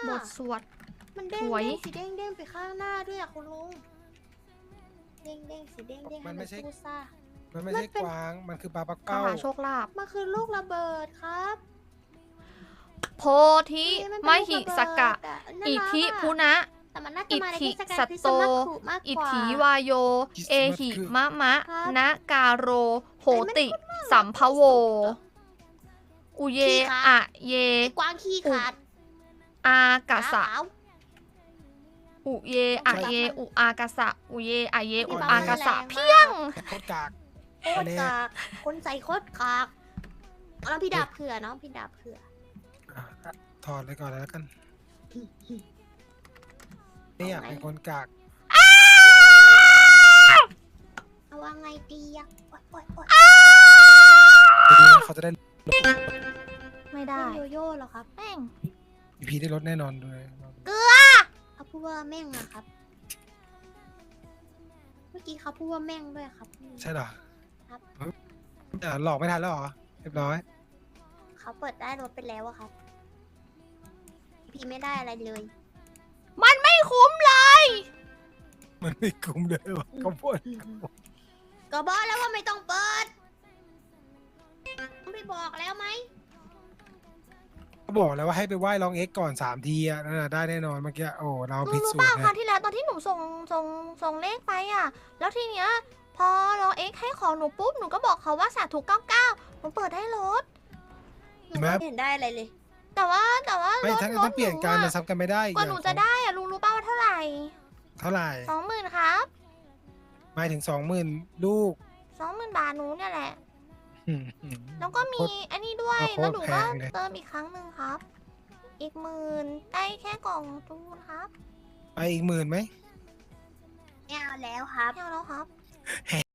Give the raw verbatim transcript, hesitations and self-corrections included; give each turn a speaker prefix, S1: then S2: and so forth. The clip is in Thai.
S1: บทสวด
S2: มันเด้ง
S1: สวย
S2: เด้งสีเด้งเด้งไปข้างหน้าด้วยอะคุณลุงเด้งเด้งสีเด้งเด้งให้มันสู้ซ่า
S3: มันไม่ใช่กวาง มันคือปลาปัก
S1: ม
S3: เป้า
S1: หาโชคลาภ
S2: มันคือลูกระเบิดครับ
S1: โพธิ
S2: นี่น
S1: ม
S2: เป็น
S1: หิ
S2: ลู
S1: สกะ
S2: ระเบิดอะน่า
S1: อิ
S2: รัก
S1: ทิ
S2: อะ
S1: พุนะ
S2: แต่มันน่าจะ
S1: อิ
S2: มาใน
S1: ทิ
S2: เทศกาล
S1: สัต
S2: คริส
S1: โต
S2: ต์มาสคุมาก
S1: อิ
S2: กว่า
S1: ถีวายโย
S3: คริสต์
S1: เอ
S3: มาส
S1: หิ
S3: คือ
S1: มะมะ
S2: ครับ
S1: นะกาโร โห
S2: ไอ้มัน
S1: ติ
S2: พูดน่ารัก
S1: สัมภโว อุเย
S2: ขี้ขาด
S1: อะเย
S2: ไอ้กวางขี้ขาด
S1: อากาสะ
S2: ขาว
S1: อุเยอะเย อุอากาสะ อุเยอะเย อุ
S2: พี่
S1: อา
S2: บั
S1: กาง สะ
S2: แรงมาก
S1: เพียง
S3: โคตรกาก
S2: โคตรกากคนใส่โคตรกากน้องพี่ดาบเผื่อน้องพี่ดาบเผื่อ
S3: อ่ะถอดเลยก่อนแล้วกันไม่อยากเป็นคนกาก
S2: เอาว่าไงดีอะโอ๊ยโอ๊ยโอ๊ย
S3: จะดีนะเขาจะได้
S1: ไม่ได้
S2: โยโย่เหรอครับ
S1: แม่ง
S3: อีพีได้ลดแน่นอนด้วย
S2: เขาพูดว่าแม่งอะครับ เมื่อกี้เขาพูดว่าแม่งด้วยครับ
S3: ใช่เหรอ
S2: ครับ
S3: อ่ะหลอกไม่ทันแล้วเหรอ เรียบร้อย
S2: เขาเปิดได้รถไปแล้วอะครับ พี่ไม่ได้อะไรเลย
S1: มันไม่คุ้มเลย
S3: มันไม่คุ้มเลยว่ะเขาพูด
S2: ก็บอกแล้วว่าไม่ต้องเปิดไม่บอกแล้วไหม
S3: เขาบอกแล้วว่าให้ไปไหว้ลองเอ็กก่อนสามทีอ่ะนั่นน่ะได้แน่นอนเมื่อกี้ โอ้ เรา
S1: รู้
S3: ผิด
S1: รู้
S3: สู
S1: เป
S3: ต
S1: ล่าร ครั้
S3: นะ
S1: งที่แล้วตอนที่หนูส่งส่งส่งเลขไปอ่ะ แล้วทีเนี้ย พอเราเอ็กให้ของหนูปุ๊บ หนูก็บอกเขาว่าสาธุเก้าเก้าหนูเปิดได้รถ
S2: หนูไม่เห็นได้อะไรเลย
S1: แต่ว่าแต่ว่า
S3: ไม่
S1: รถ
S3: ทั้ง
S1: ร
S3: ต้อ
S1: ถ
S3: งเปลี่ยนการมัน
S1: ห
S3: ซ้ำกันไม่ได้
S1: กว่าหนูจะได้อ่ะลุงรู้เปล่าว่าเท่าไหร่
S3: เท่าไหร่
S1: สองหมื่นครับ
S3: หมายถึงสองหมื่นลูก
S1: สองหมื่นบาทหนูเนี่ยแหละ
S3: อืมอืม
S1: แล้วก็มี
S3: โคตร
S1: อันนี้ด้วย
S3: โคตร
S1: แล้วหนูก็
S3: แพงเลย
S1: เติมอีกครั้งหนึ่งครับ อีกหมื่นได้แค่กล่องจูนครับ
S3: ไปอีกหมื่นไหม
S2: ไม่เอาแล้วครับ
S1: ไม่เอาแล้วครับ